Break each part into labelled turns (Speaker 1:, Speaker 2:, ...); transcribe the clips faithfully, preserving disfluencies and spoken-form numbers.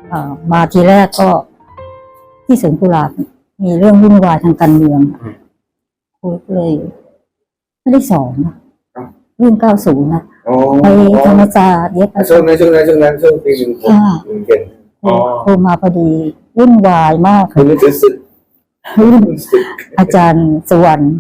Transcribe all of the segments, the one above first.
Speaker 1: มาทีแรกก็ที่สวนกุหลาบมีเรื่องวุ่นวายทางการเมืองครูเลยไม่ได้สอนนะเรื่องเก้าศูนย์นะไปธรรมศาสตร์เย็บ
Speaker 2: ช่วงนั้นช่วงนั้นช่วงนั้นช่วงปีหนึ่งผมเก่ง
Speaker 1: ครูมาพอดีวุ่นวายมาก
Speaker 2: คุณรู้สึก
Speaker 1: อาจารย์สุวรรณ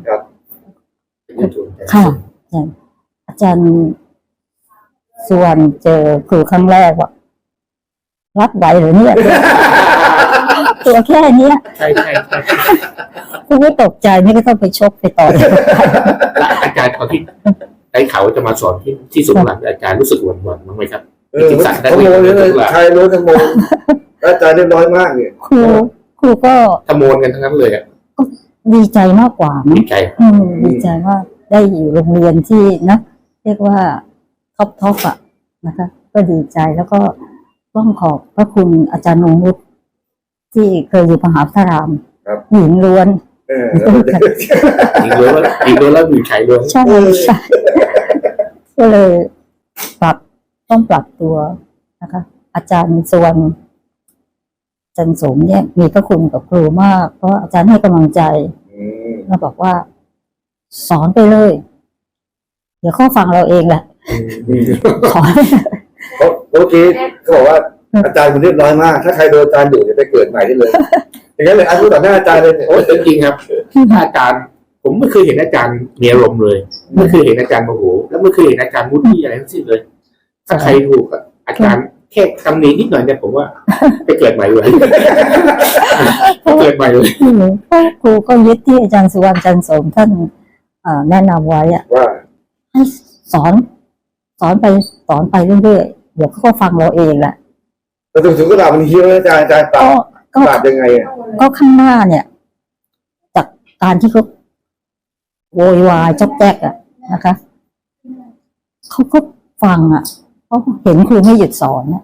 Speaker 1: ค่ะอาจารย์สุวรรณเจอครูครั้งแรกว่ารับไหวหรือเนี่ยตัวแค่นี้
Speaker 3: ใช่ใช่ใช่
Speaker 1: ครูไม่ตกใจนี่ก็ต้องไปชกไปต่อย
Speaker 3: อาจารย์ตอนที่ได้ข่าวว่าจะมาสอนที่ที่สุขหลังอาจารย์รู้สึกหวั่นหวั่นบ้างไหมครับ
Speaker 2: จริงๆสั่งได้เลยใครรู้ทั้งโมอาจารย์เรียบร้อยมากเนี่ย
Speaker 1: ครูครูก็
Speaker 3: ขโมยกันทั้งนั้นเลยอ่ะ
Speaker 1: ก็ดีใจมากกว่า
Speaker 3: ดีใจ
Speaker 1: ดีใจว่าได้อยู่โรงเรียนที่นะเรียกว่าท็อปท็อปอ่ะนะคะก็ดีใจแล้วก็ต้องขอบพระคุณอาจารย์นงนุชที่เคยอยู่มหาวิทยาลัยหญิงล้วน
Speaker 3: หญิงล้วนหญิงล้วนแล้วอยู่ชายล้วน
Speaker 1: ใช่ใช่ก็เลยปรับต้องปรับตัวนะคะอาจารย์สุวรรณจันทร์สมเนี่ยมีพระคุณกับครูมากเพราะอาจารย์ให้กำลังใจแล้วบอกว่าสอนไปเลยเดี๋ยวเขาฟังเราเองแหละ
Speaker 2: สอนเมื่อกี้เขาบอกว่าอาจารย์มันเรียบร้อยมากถ้าใครโดนอาจารย์ดุจะไปเกิดใหม่ได้เลยอย่างนั้นเลยอาจารย์ต่อหน้าอาจารย์เลย
Speaker 3: โอ้จริงครับอาจารย์ผมไม่เคยเห็นอาจารย์มีอารมณ์เลยไม่เคยเห็นอาจารย์โมโหแล้วไม่เคยเห็นอาจารย์มุดที่อะไรทั้งสิ้นเลยถ้าใครถูกอาจารย์แค่คำนี้นิดหน่อยเนี่ยผมว่าไปเกิดใหม่เลยเกิดใหม่เลย
Speaker 1: ครูก็ยึดที่อาจารย์สุวรรณจันทร์สมท่านแนะนำไว้อะ
Speaker 2: ว่า
Speaker 1: ให้สอนสอนไปสอนไปเรื่อยๆเดี๋ยวเขาก็ฟังเราเองแหละ
Speaker 2: แต่ถึงถึงก็ด่ามันเฮี้ยอาจารย์อาจารย์ปราบปราบยังไงอ่ะ
Speaker 1: ก็ข้างหน้าเนี่ยจากการที่เขาโวยวายจ๊อกแจ๊กอ่ะนะคะเขาก็ฟังอ่ะเขาเห็นครูไม่หยุดสอนเนี่ย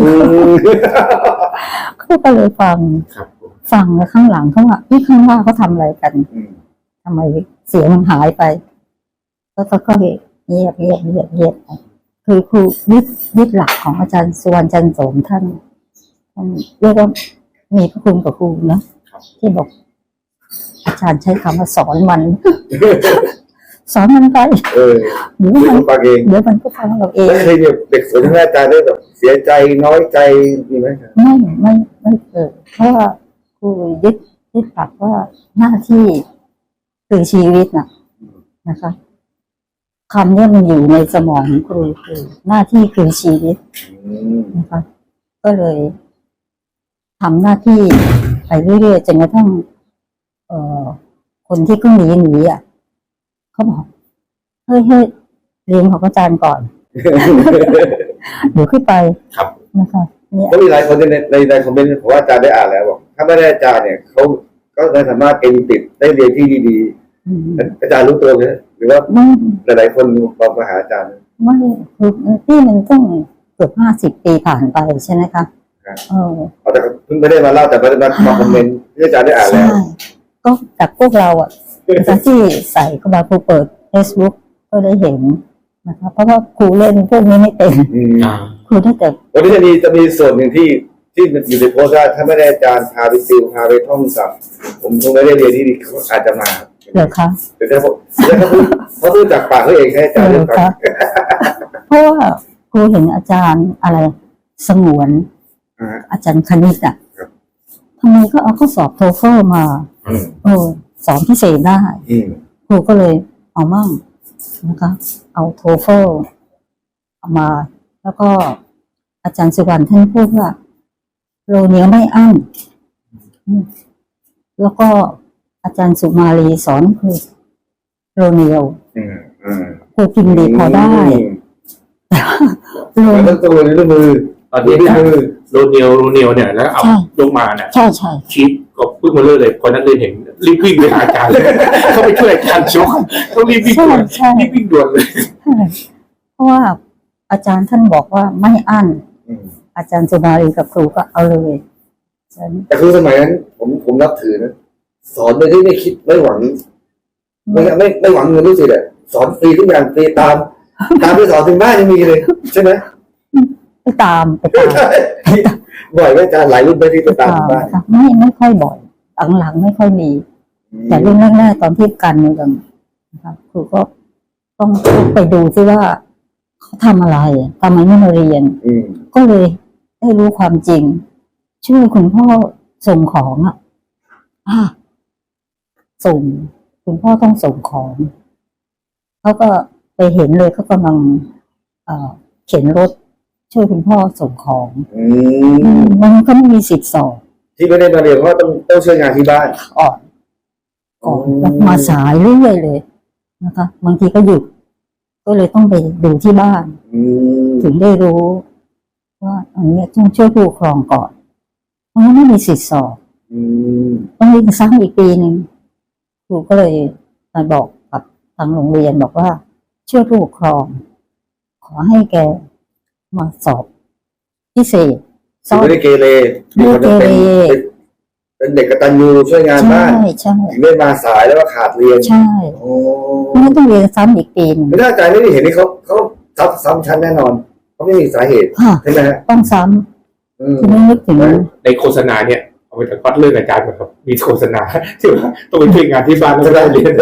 Speaker 1: เขาก็เลยฟังฟังแล้วข้างหลังเขาว่าที่ข้างหน้าเขาทำอะไรกันทำไมเสียงมันหายไปแล้วก็ก็เงียบเงียบเงียบเงียบคือครูยึดยึดหลักของอาจารย์สุวรรณจันทร์สมท่านท่านเรียกว่ามีพระคุณกับครูนะที่บอกอาจารย์ใช้คำว่าสอนมันสอนมันไปเดี๋ยวมัน
Speaker 2: ฟังเอง
Speaker 1: เดี๋ยวมันก็ฟังเราเอง
Speaker 2: เคยเด็กสนทนาอาจารย์ได้แบบเสียใจน้อยใจมีไหม
Speaker 1: ไม่ไม่ไม่เกิดเพราะว่าครูยึดยึดหลักว่าหน้าที่คือชีวิตน่ะนะคะคำนี้มันอยู่ในสมองของครูคือหน้าที่คือชีวิตนะคะก็เลยทำหน้าที่ไปเรื่อยๆจนกระทั่งเอ่อคนที่เพิ่งหนีหนีอ่ะเขาบอกเฮ้ยเฮ้ยเรียนของอาจารย์ก่อนเดี๋ยวขึ้นไปนะคะ
Speaker 2: เนี่ยก็มีหลายคนในในในคอมเมนต์ผมว่าอาจารย์ได้อ่านแล้วบอกถ้าไม่ได้อาจารย์เนี่ยเขาก็ไม่สามารถเอ็นติดได้เรียนที่ดีๆอาจารย์รู้ตัวไหมหรือว่าหลายๆคนบอกมาหาอาจารย์
Speaker 1: ไม่คือที่มันต้องเกือบห้าสิบปีผ่านไปใช่ไหมคะ
Speaker 2: เออแต่เพิ่งไม่ได้มาเล่าแต่มามาคอมเมนต์ที่อาจารย์ได้อ่านแล้ว
Speaker 1: ก็จากพวกเราอ่ะจากที่ใส่เข้ามาครูเปิด Facebook ก็ได้เห็นนะคะเพราะว่าครูเล่นพวกนี้ไม่เป็นครูได้แต่
Speaker 2: วันนี้จะมีจะมีส่วนหนึ่งที่ที่อยู่ในโพสต์ว่าถ้าไม่ได้อาจารย์พาไปติวพาไปท่องศัพท์ผมคงไม่ได้เรียนที่นี่อาจจะมา
Speaker 1: เหรอคะ
Speaker 2: แต่ถ้าผมเขาพูดเขาพูดจากปากเขาเองให้อาจารย์เรียนฟัง
Speaker 1: เพราะว่าครูเห็นอาจารย์อะไรสงวนอาจารย์คณิตอ่ะทำไมก็เอาข้อสอบโทเฟอร์มาเออสอนพิเศษได้ครูก็เลยเอามั่งนะคะเอาโทเฟอร์เอามาแล้วก็อาจารย์สุวรรณท่านพูดว่าโรเนียไม่อั้นแล้วก็อาจารย์สุมาลีสอนคือโรเนียวครูกินดีพอได้
Speaker 2: โรเนียวต้องตัวในมือ
Speaker 3: ตอนนี้โรเนียวโรเนียวเนี่ยแล้วเอาลงมาเนี่ย
Speaker 1: ใช่ใช่
Speaker 3: ชีฟก็พึ่งมาเรื่อยเลยคนนั้นเลยเห็นรีบวิ่งไปหาอาจารย์เลยเขาไปช่วยอาจารย์ชกเขารีบวิ่งด่วนรีบวิ่งด่วนเลย
Speaker 1: เพราะว่าอาจารย์ท่านบอกว่าไม่อั้นอาจารย์สุมาลีกับครูก็เอาเลย
Speaker 2: แต่คือสมัยนั้นผมผมนับถือนะสอนโดยที่ไม่คิดไม่หวังไม่ไม่ไม่หวังเงินรู้สึกเลยสอนฟรีทุกอย่างฟรีตามตามที่สอนถึงบ้านยังมีเลยใช่ไหม
Speaker 1: ไปตามไปตาม
Speaker 2: บ่อยไหมอาจารย์หลายรุ่นไปที่ไปตาม
Speaker 1: ตาม
Speaker 2: บ้าน
Speaker 1: ค่ะไม่ไม่ค่อยบ่อยหลังๆไม่ค่อยมี แต่รุ่นแรกๆตอนที่กันเมืองนะครับครูก็ต้องไปดูซิว่าเขาทำอะไรทำไมไม่มาเรียน
Speaker 2: อืม
Speaker 1: ก็เลยได้รู้ความจริง ช่วยคุณพ่อส่งของอ่ะอ่ะส่งคุณพ่อต้องส่งของเขาก็ไปเห็นเลยเขากำลังเอ่อเข็นรถ ช่วยคุณพ่อส่งของ
Speaker 2: อืม
Speaker 1: มันก็ไม่มีสิทธิ์สอบ
Speaker 2: ที่ไม่ได้มาเรียนเพราะว่าต้องต้องช่วยงานที่บ้าน
Speaker 1: อ่อนก่อนแล้วมาสายเรื่อยเลยนะคะบางทีก็หยุดก็เลยต้องไปดูที่บ้าน
Speaker 2: อืม
Speaker 1: ถึงได้รู้ ว่าอันเนี้ยต้องช่วยผู้ปกครองก่อนเพราะงั้นไม่มีสิทธิ์สอบ
Speaker 2: อืม
Speaker 1: ต้องเรียนซ้ำอีกปีหนึ่งครูก็เลยมาบอกกับทางโรงเรียนบอกว่าช่วยผู้ปกครอง ขอให้แกมาสอบพิเศษส
Speaker 2: คือ
Speaker 1: อบ
Speaker 2: ไม่ได้เกเร
Speaker 1: ไม่ได้เกเร
Speaker 2: เป็นเป็นเด็กกตัญญูช่วยงาน
Speaker 1: ใช่
Speaker 2: บ้าน
Speaker 1: ใช่
Speaker 2: ถึงได้มาสายแล้วก็ขาดเรียน
Speaker 1: ใช่
Speaker 2: โอ้
Speaker 1: ไม่ต้องเรียนซ้ำอีกปีหนึง
Speaker 2: ไม่น่าอาจารย์ไม่ได้เห็นนี่เขาเขาซ้ำซ้ำชั้นแน่นอนเขาไม่มีสาเหตุ
Speaker 1: ค่ะ
Speaker 2: ใช่ไหมฮะ
Speaker 1: ต้องซ้
Speaker 2: อืม
Speaker 1: ำที่ไม่นึกถึง
Speaker 3: ในโฆษณาเนี่ยเอาไปจากวัดเรื่องอาจารย์นะครับมีโฆษณาที่ว่าต้องไปช่วยงานที่บ้านแล้วก็ได้เรียน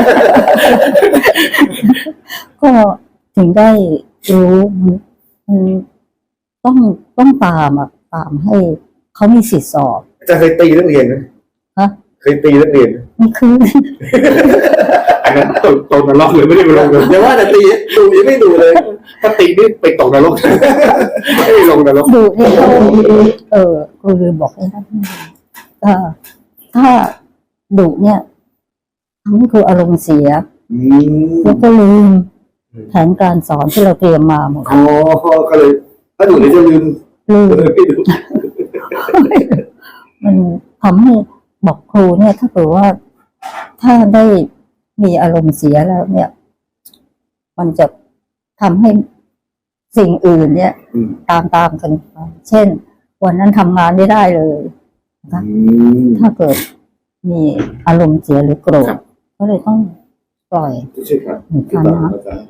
Speaker 1: ก็ถึงได้รู้มันต้องต้องตามอ่ะตามให้เขามีสิทธิสอบ
Speaker 2: อาจารย์เคยตีนักเรียนไหม
Speaker 1: ฮะ
Speaker 2: เคยตีนักเรียนไหม
Speaker 1: นี่คือ
Speaker 3: อันนั้นตกตกนรกเลยไม่ได้ไปลงเลย
Speaker 2: อย่าว่าแต่ตีดูยังไม่ดูเลย
Speaker 3: ถ้าตีนี่ไปตกนรก ไม่ได้ลงนรก
Speaker 1: ดูเนี่ยเขาเออครูลืมบอกให้ท่านเออถ้าดุเนี่ยทำให้ครูอารมณ์เสีย
Speaker 2: อืม
Speaker 1: แล้วก็ลืมแผนการสอนที่เราเตรียมมาหมด
Speaker 2: อ๋อก็เลย ถ้าดูเดี๋ยวจะลืม
Speaker 1: ลืม
Speaker 2: เลยไม่ดู
Speaker 1: มันทำให้บอกครูเนี่ย ถ้าเกิดว่าถ้าได้มีอารมณ์เสียแล้ว เนี่ย มันจะทำให้สิ่งอื่นเนี่ย
Speaker 2: อืม
Speaker 1: ตามตามกันไปเช่น วันนั้นทำงานไม่ได้เลยนะคะ
Speaker 2: อืม
Speaker 1: ถ้าเกิดมีอารมณ์เสียหรือโกรธ
Speaker 3: ครับ
Speaker 1: ก็เลยต้องปล่อย
Speaker 2: ใช่ครับ
Speaker 1: หนึ่ง
Speaker 2: ที่
Speaker 1: คำ
Speaker 2: บอก
Speaker 1: นะ
Speaker 2: อาจารย์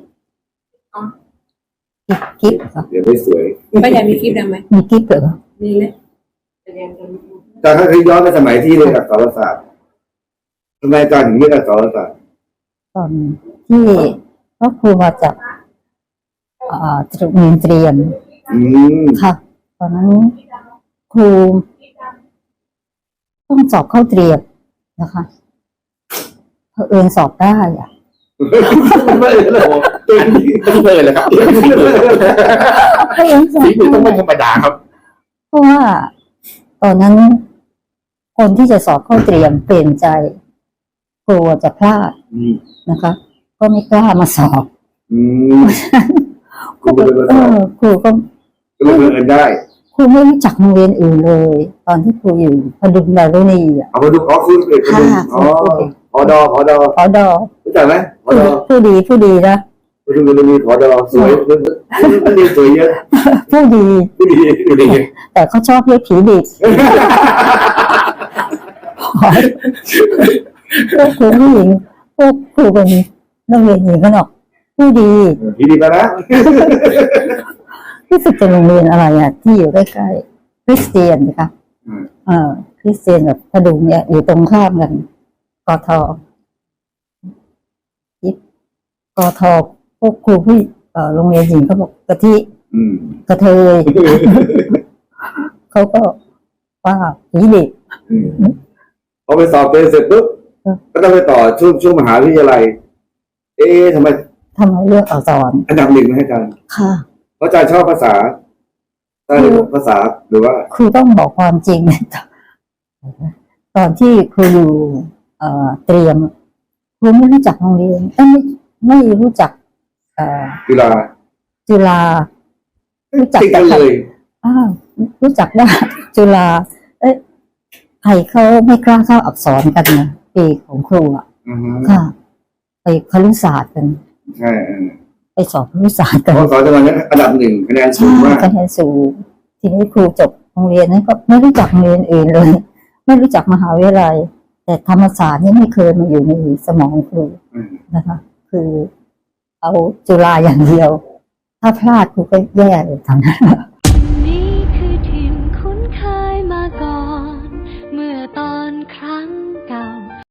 Speaker 1: กิ๊บกิ๊บค่ะ
Speaker 2: เดี๋ยวไม่สวย
Speaker 4: ป้าใหญ่มีคลิปดังไหม
Speaker 1: มีกิ๊บเหรอ
Speaker 4: มีเลยแสดงกัน
Speaker 2: อาจารย์ถ้าเคยย้อนไปสมัยที่เรียนอักษรศาสตร์ทำไมอาจารย์ถึงเรียนอักษรศาสตร์
Speaker 1: ตอนที่พระครูมาจากอ่าตรีเรียนเตรียม
Speaker 2: อืม
Speaker 1: ค่ะ ตอนนั้นครูต้องสอบเข้าเตรียมนะคะเผอิญสอบได้อะ
Speaker 2: ไม่เลย
Speaker 3: ตัวนี้ต้องเลยเลยครับ
Speaker 1: เผอิญสอบ
Speaker 3: ฝีมือต้องไม่
Speaker 1: ได้
Speaker 3: ธรรมดาครับ
Speaker 1: เพราะว่า ตอนนั้นคนที่จะสอบเข้าเตรียมเปลี่ยนใจกลัวจะพลาด
Speaker 2: อืม
Speaker 1: นะคะ ก็ไม่กล้ามาสอบ
Speaker 2: อืม ครูก็เลยมา
Speaker 1: เอ
Speaker 2: สอบ
Speaker 1: อครูก็
Speaker 2: ก็เลยเรียนได้
Speaker 1: ครูไม่รู้จักโรงเรียนอื่นเลย ตอนที่ครูอยู่พดุงดารุณีอ่ะ
Speaker 2: เอามาดูอ๋อคุณเอกคุณอ๋อพอดอพอดอ
Speaker 1: พอดอ
Speaker 2: รู้จักไหมพอ
Speaker 1: ผู้
Speaker 2: ดอ
Speaker 1: ผู้ดีผู้ดีนะ
Speaker 2: พอดูมันมีพอดอสวยนักเรียนสวยเยอะ
Speaker 1: ผู้ดี
Speaker 2: ผู้ดี
Speaker 3: ดูดิ
Speaker 1: แต่เขาชอบเรียกผีดิบพวกครูผู้หญิงพวกครูเป็นนักเรียนหญิงกันหรอกผู้ดี
Speaker 2: ดีดีไปนะ
Speaker 1: รู้สึกจะโรงเรียนอะไรอ่ะ ที่อยู่ใกล้ๆคริสเตียนนะคะเออคริสเตียนแบบพดุงเนี่ย อยู่ตรงข้ามกันกทกทพวกครูผู้เอ่อโรงเรียนหญิงเขาบอกกะทิ
Speaker 2: อืม
Speaker 1: กระเทย เขาก็ว่าผีดิบ
Speaker 2: พอไปสอบเป็นเสร็จปุ๊บก็ต้องไปต่อช่วงช่วงมหาวิทยาลัย เอ๊ะทำไม
Speaker 1: ทำไมเลือกอักษร
Speaker 2: อันดับหนึ่งให้อาจารย์
Speaker 1: ค่ะ
Speaker 2: เพราะอาจารย์ชอบภาษาใช่ภาษาหรือว่า
Speaker 1: ครูต้องบอกความจริง ตอนที่ครูอยู่เอ่อเตรียมครูไม่รู้จักโรงเรียนเอ้ยไม่ไม่รู้จัก เอ่อ
Speaker 2: กีฬา
Speaker 1: จุฬารู้จัก
Speaker 2: ติดกันเลย
Speaker 1: อ้าวรู้จักว่า จุฬาเอ๊ะใครเขาไม่กล้าเข้าอักษรกันนะปีของครูอ่ะ
Speaker 2: อือฮึ
Speaker 1: ค่ะ ไปครุศาสตร์กัน
Speaker 2: ใช่เออ
Speaker 1: ไปสอบครุศาสตร์
Speaker 2: เพ
Speaker 1: กัน
Speaker 2: ราะสอนจังหวัดนั้นอันดับหนึ่งคะแนนสู
Speaker 1: ใช่
Speaker 2: งมาก
Speaker 1: คะแนนสูงทีนี้ครูจบโรงเรียนนั้นก็ไม่รู้จักโรงเรียนอื่นเลย ไม่รู้จักมหาวิทยาลัย แต่ธรรมศาสตร์นี่ไม่เคยมาอยู่ในสมองครู
Speaker 2: อืม
Speaker 1: นะคะ คือเอาจุฬาอย่างเดียว ถ้าพลาดครูก็แย่เลยทำนั้น